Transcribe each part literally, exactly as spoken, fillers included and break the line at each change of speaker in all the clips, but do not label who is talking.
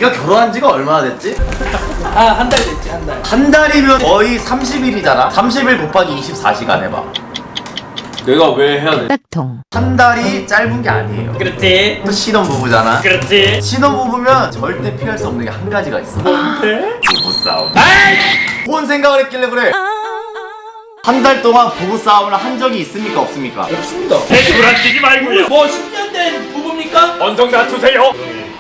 네가 결혼한 지가 얼마나 됐지?
아, 한 달 됐지, 한 달.
한 달이면 거의 삼십 일이잖아. 삼십 일 곱하기 이십사 시간 해봐.
내가 왜 해야 돼?
빡통.
한 달이 짧은 게 아니에요.
그렇지.
또 신혼부부잖아.
그렇지.
신혼부부면 절대 피할 수 없는 게 한 가지가 있어.
뭔데?
부부싸움.
아이!
뭔 생각을 했길래 그래? 한 달 동안 부부싸움을 한 적이 있습니까 없습니까?
없습니다.
불안치지 말고요.
뭐 십 년 된 부부입니까?
언성 낮추세요.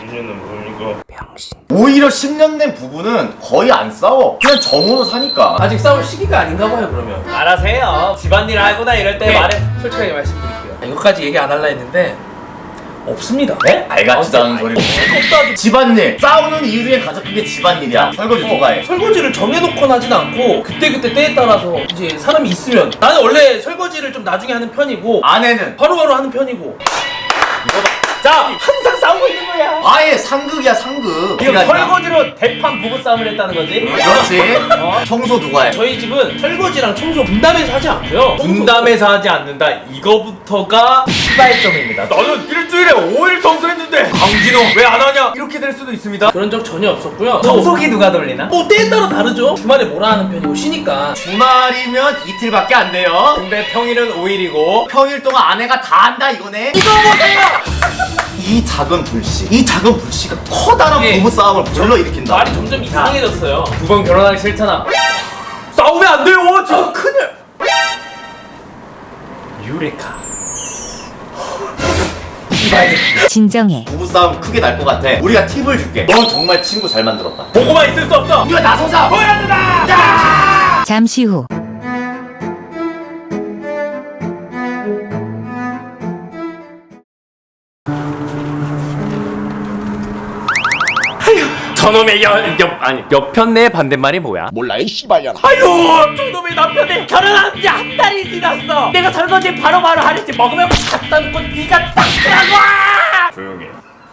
오히려 십 년 된 부부는 거의 안 싸워. 그냥 정으로 사니까.
아직 싸울 시기가 아닌가 봐요, 그러면.
알아세요. 집안일 하거나 이럴 때
네,
말해.
솔직하게 말씀드릴게요. 이것까지 얘기 안 할라 했는데 없습니다.
네? 알같지도 않은 소리.
없다.
집안일. 싸우는 이유 중에 가장 큰 게 집안일이야. 설거지 누가 해?
설거지를 정해놓거나 하진 않고 그때그때 때에 따라서 이제 사람이 있으면 나는 원래 설거지를 좀 나중에 하는 편이고
아내는
바로바로 하는 편이고
이거 봐.
자, 항상 싸우고 있는 거야.
아예 상극이야 상극.
지금
그러니까
설거지로 대판 부부싸움을 했다는 거지?
그렇지.
어?
청소 누가 해?
저희 집은 설거지랑 청소 분담해서 하지 않고요.
분담해서 하지 않는다. 이거부터가 시발점입니다. 너는 일주일에 오 일 청소했는데 강진호 왜 안 하냐? 이렇게 될 수도 있습니다.
그런 적 전혀 없었고요.
청소기 누가 돌리나?
뭐 때에 따라 다르죠. 주말에 뭐라 하는 편이고 쉬니까.
주말이면 이틀밖에 안 돼요.
근데 평일은 오 일이고
평일 동안 아내가 다 한다 이거네. 이거 보세요. 이 작은 불씨, 이 작은 불씨가 커다란
예.
부부싸움을 불러일으킨다.
말이 점점 이상해졌어요.
두 번 결혼하기 싫잖아. 싸우면 안 돼요. 저 큰일. 유레카.
진정해.
부부싸움 크게 날 것 같아. 우리가 팁을 줄게. 넌 정말 친구 잘 만들었다.
보고만 있을 수 없어.
우리가 나서자.
보여야 된다. 야!
잠시 후.
저놈의 여, 옆 아니 옆편 내 반대말이 뭐야?
몰라 이 씨발년아.
아유 저놈의 남편이 결혼한 지 한 달이 지났어. 내가 설거지 바로바로 하랬지. 먹으면 갖다 놓고 네가 딱 하라고. 조용히.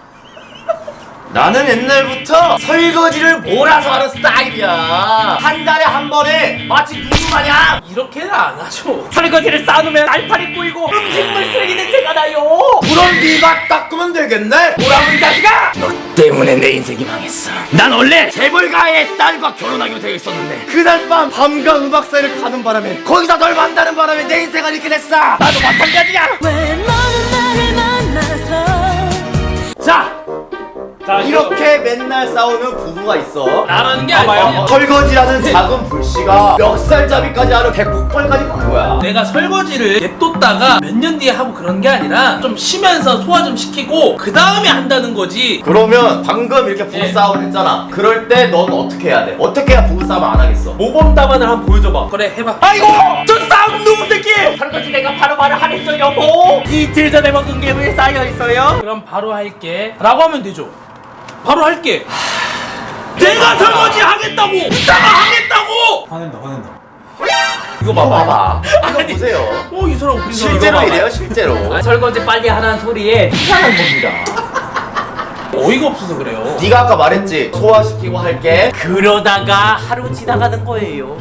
나는 옛날부터 설거지를 몰아서 하는 스타일이야. 한 달에 한 번에 마치 누구 마냥.
이렇게는 안 하죠.
설거지를 쌓아놓으면 날파리 꼬이고 음식물 쓰레기 냄새가 나요.
그럼 네가 닦으면 되겠네.
뭐라고 이 자식아! 너 때문에 내 인생이 망했어. 난 원래
재벌가의 딸과 결혼하기로 되어 있었는데 그날 밤 밤과 음악 사이를 가는 바람에 거기서 널 만나는 바람에 내 인생은 이렇게 됐어.
나도 마찬가지야.
왜 너는 나를 만나서
자, 자
이렇게 맨날 싸우는 부부가 있어.
나라는 게
어,
아니에요.
설거지라는 작은 불씨가 멱살잡이까지 하는 백폭발까지 간 거야.
내가 설거지를 냅뒀다가 몇 년 뒤에 하고 그런 게 아니라 좀 쉬면서 소화 좀 시키고 그 다음에 한다는 거지.
그러면 방금 이렇게 부부싸움을 했잖아. 그럴 때 넌 어떻게 해야 돼? 어떻게 해야 부부싸움 안 하겠어?
모범 답안을 한번 보여줘봐.
그래 해봐.
아이고! 저 싸움 누구 새끼! 설거지 내가 바로바로 하랬어 여보. 이틀 전에 먹은 게 왜 쌓여있어요?
그럼 바로 할게 라고 하면 되죠. 바로 할게.
내가 설거지 하겠다고! 이따가 하겠다고!
이거 봐봐. 이거 보세요.
어 이 사람 웃긴 사람.
실제로 이래요 실제로.
아, 설거지 빨리 하라는 소리에 희한한 겁니다.
어이가 없어서 그래요.
네가 아까 말했지. 소화시키고 할게.
그러다가 하루 지나가는 거예요.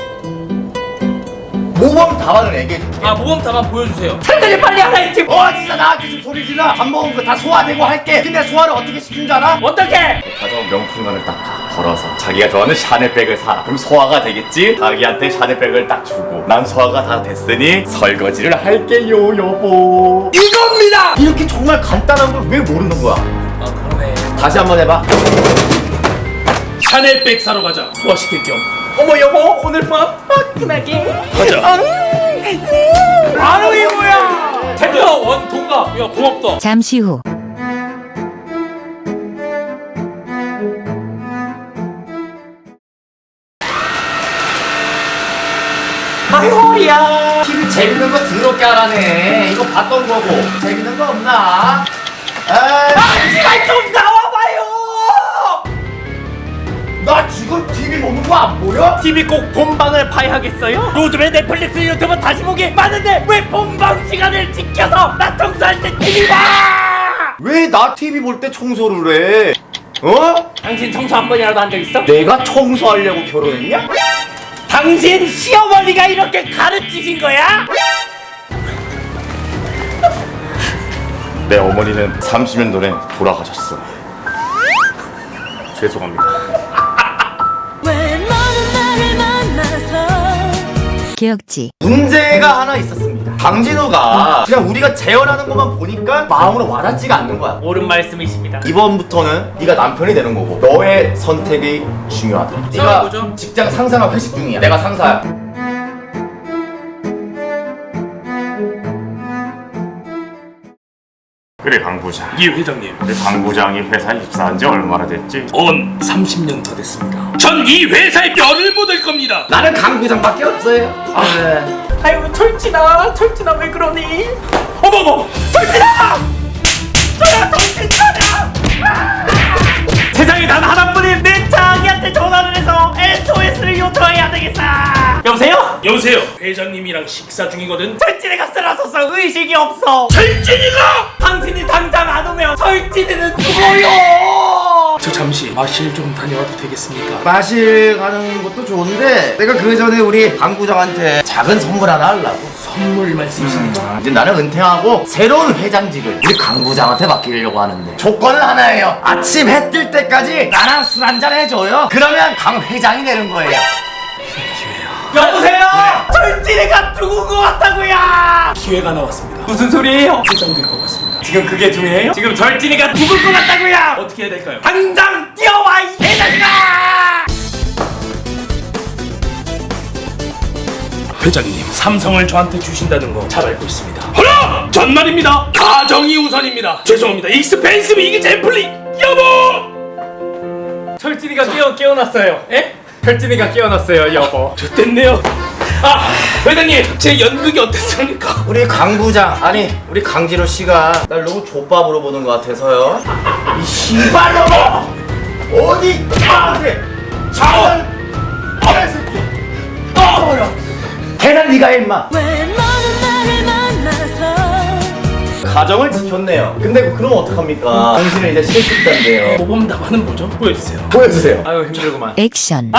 모범 답안을 얘기해줄게.
아 모범 답안 보여주세요.
설거지 빨리 하라 했지.
어 진짜 나한테 좀 소리 질러. 밥 먹은 거 다 소화되고 할게. 근데 소화를 어떻게 시킨 줄 알아?
어떻게?
가져온 명품관을 딱 걸어서 자기가 좋아하는 샤넬백을 사. 그럼 소화가 되겠지? 자기한테 샤넬백을 딱 주고 난 소화가 다 됐으니 설거지를 할게요 여보. 이겁니다. 이렇게 정말 간단한 걸 왜 모르는 거야?
아 그러네.
다시 한번 해봐.
샤넬백 사러 가자. 소화시킬 겸.
어머 여보 오늘 밤 화끈하게
가자.
바로 이거야. 챕터 원 통과.
야 고맙다.
잠시 후.
아이 허리야. 티비 재밌는 거 더럽게 하라네. 이거 봤던 거고. 재밌는 거 없나? 에이.
제발 좀 나와봐요.
나 지금 티비 보는 거 안 보여?
티비 꼭 본방을 봐야 하겠어요? 요즘에 넷플릭스 유튜브 다시 보기 많은데 왜 본방 시간을 지켜서 나 청소할 때 티비 봐!
왜 나 티비 볼 때 청소를 해? 어?
당신 청소 한 번이라도 한 적 있어?
내가 청소하려고 결혼했냐?
당신 시어머니가 이렇게 가르치신 거야?
내 어머니는 삼십 년 전에 돌아가셨어. 죄송합니다.
왜 너는 나를 만나서
기억지.
문제가 하나 있었습니다. 강진우가 그냥 우리가 재현하는 것만 보니까 마음으로 와닿지가 않는 거야.
옳은 말씀이십니다.
이번부터는 네가 남편이 되는 거고 너의 선택이 중요하다. 네가
싸워보죠.
직장 상사랑 회식 중이야. 내가 상사야. 그래 강 부장.
이 회장님.
우리 강 부장이 회사에 입사한 지 얼마나 됐지?
언 삼십 년 더 됐습니다. 전 이 회사의 뼈를 묻을 겁니다.
나는 강 부장밖에 없어요. 아,
아유 철진아, 철진아 왜 그러니?
어머머!
철진아! 저야 정신차려! 세상에 단 하나뿐인 내 자기한테 전화를 해서 에스오에스를 요청해야 되겠어. 여보세요?
여보세요. 회장님이랑 식사 중이거든.
철진이가 쓰러져서 의식이 없어.
철진이가!
당신이 당장 안 오면 철진이는 죽어요.
저 잠시 마실 좀 다녀와도 되겠습니까?
마실 가는 것도 좋은데 내가 그 전에 우리 강 부장한테 작은 선물 하나 하려고.
선물 말씀이십니까?
이제 나는 은퇴하고 새로운 회장직을 우리 강 부장한테 맡기려고 하는데 조건은 하나예요. 아침 해 뜰 때까지 나랑 술 한잔 해줘요. 그러면 강 회장이 되는 거예요.
여보세요? 철진이가 죽은 것 같다고요.
기회가 나왔습니다.
무슨 소리예요?
회장될 것 같습니다.
지금 그게 중요해요? 지금 절진이가 죽을 것 같다고요.
어떻게 해야 될까요?
당장 뛰어와 이 개자식아!
회장님, 삼성을 저한테 주신다는 거 잘 알고 있습니다. 허라! 전 말입니다. 가정이 우선입니다. 죄송합니다. 익스펜시브 이게 젠플리 여보!
철진이가 깨어 깨어났어요. 에? 철진이가 깨어났어요, 여보.
됐네요. 아, 회장님, 제 연극이 어땠습니까?
우리 강 부장 아니 우리 강진호 씨가 날 너무 족밥으로 보는 것 같아서요. 이 씨발놈아 어디 나한테 자원 개새끼 떠버려. 해라 네가 해 임마.
왜 너는 나를 만나서
가정을 지켰네요. 근데 그럼 어떡합니까? 당신은 이제 실직자인데요.
모범답안은 뭐죠? 보여주세요.
보여주세요.
아유 힘들구만.
액션.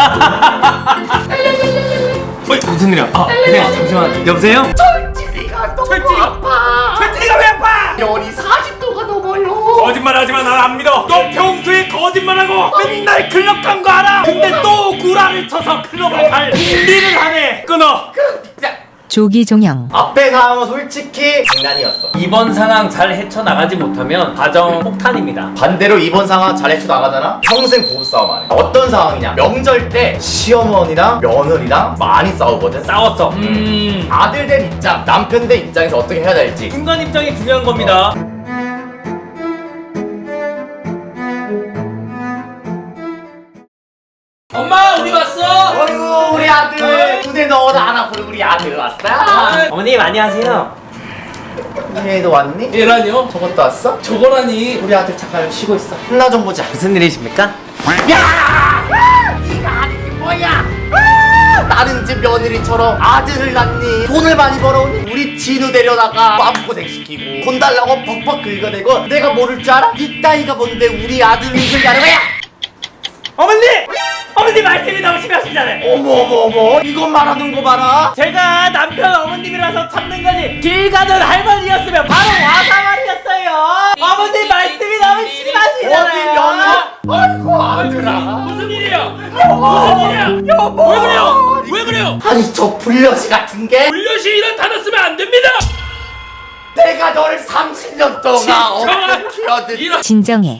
무슨 일이야? 아, 네, 잠시만. 여보세요?
철진이가 너무
철진이가
아파.
철진이가 왜 아파?
열이 사십 도가 넘어요.
거짓말하지마, 난 안 믿어. 너 평소에 거짓말하고 맨날 클럽 간 거 알아? 근데 또 구라를 쳐서 클럽을 갈 준비를 하네. 끊어.
조기종영.
앞에 상황은 솔직히 장난이었어.
이번 상황 잘 헤쳐나가지 못하면 가정 폭탄입니다.
반대로 이번 상황 잘 헤쳐나가잖아? 평생 부부싸움 안 해. 어떤 상황이냐? 명절 때 시어머니랑 며느리랑 많이 싸우거든?
싸웠어.
음,
아들 된 입장, 남편 된 입장에서 어떻게 해야 될지.
중간 입장이 중요한 겁니다.
엄마, 우리 왔어.
어이구 우리 아들 눈에 넣어도 안 아프는 우리 아들 왔어.
어머님 안녕하세요.
얘도 왔니?
얘라뇨?
저것도 왔어?
저거라니.
우리 아들 잠깐 쉬고 있어. 혼나 좀 보자.
무슨 일이십니까?
야! 네가 하는 게 뭐야? 아! 나는 이제 며느리처럼 아들을 낳니? 돈을 많이 벌어오니? 우리 진우 데려다가 마음고생 시키고 돈 달라고 벅벅 긁어대고 내가 모를 줄 알아? 네 따위가 뭔데 우리 아들을 긁으려는 거야?
어머니! 어머니 말씀이 너무 심하시잖아요.
어머 어머 어머 이것 말하는 거 봐라.
제가 남편 어머님이라서 참는 거지 길 가던 할머니였으면 바로 와사말이었어요. 어머니 말씀이 너무 심하시잖아요.
어디 며느리? 아이고 아들아.
무슨 일이야? 무슨 일이야?
여보.
왜 그래요? 왜 그래요?
아니 저 불려시 같은 게
불려시 이런 단어 쓰면 안 됩니다.
내가 너를 삼십 년 동안 어떻게 키워든
이런
진정해.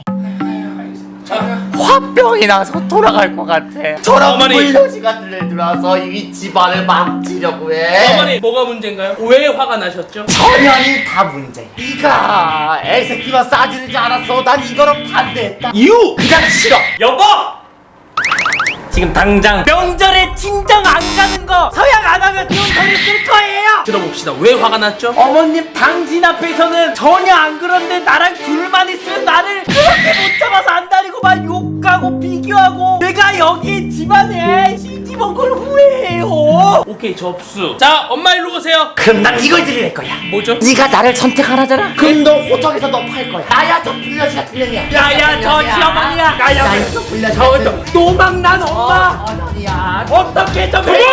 화병이 나서 돌아갈 것 같아. 저런
어머니.
불려시가 들려들어서 이 집안을 망치려고 해.
어머니, 뭐가 문제인가요? 왜 화가 나셨죠?
전현이 다 문제. 네가 애새끼만 싸지르지 않았어. 난 이거랑 반대했다. 이유 그냥 싫어.
여보!
지금 당장
명절에 친정 안 가는 거 서양 안 하면 돈 소리 쓸 거예요.
들어봅시다. 왜 화가 났죠?
어머님 당신 앞에서는 전혀 안 그런데 나랑 둘만 있으면 나를 그렇게 못 잡아서 안 다니고 막 욕하고 비교하고 내가 여기 집안에 시집온 걸 후회해요.
오케이, 접수. 자, 엄마 일로 오세요.
그럼 난 이걸 드릴 거야.
뭐죠?
네가 나를 선택하라잖아. 그럼 너 호적에서 너 팔 거야. 나야 저 불려시 같은 년이야.
야야 저 시어머니야. 야야
나야 저 불려시
저
같은
너- 노망난 엄마
어, 어머니야.
어떻게 좀 해?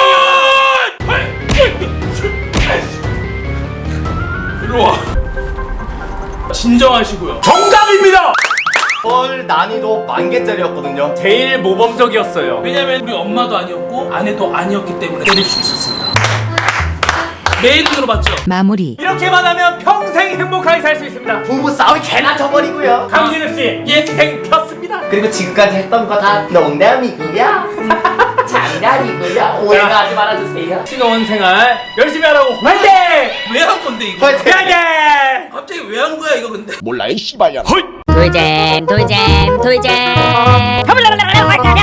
일로 와. 진정하시고요.
정답입니다.
헐 난이도 만 개짜리였거든요.
제일 모범적이었어요.
왜냐면 우리 엄마도 아니었고 아내도 아니었기 때문에 때릴 수 있었습니다. 내 눈으로 봤죠?
마무리.
이렇게만 하면 평생 행복하게 살 수 있습니다.
부부 싸움이 개나 져버리고요.
강진우 씨, 인생 폈습니다.
그리고 지금까지 했던 거 다 농담이고요. 장난이고요. 오해하지 말아주세요.
신혼 생활 열심히 하라고 화이팅!
왜 한 건데 이거?
화이팅!
화이팅!
갑자기 왜 한 거야 이거 근데?
몰라 이 씨발야.
돌잼 돌잼 돌잼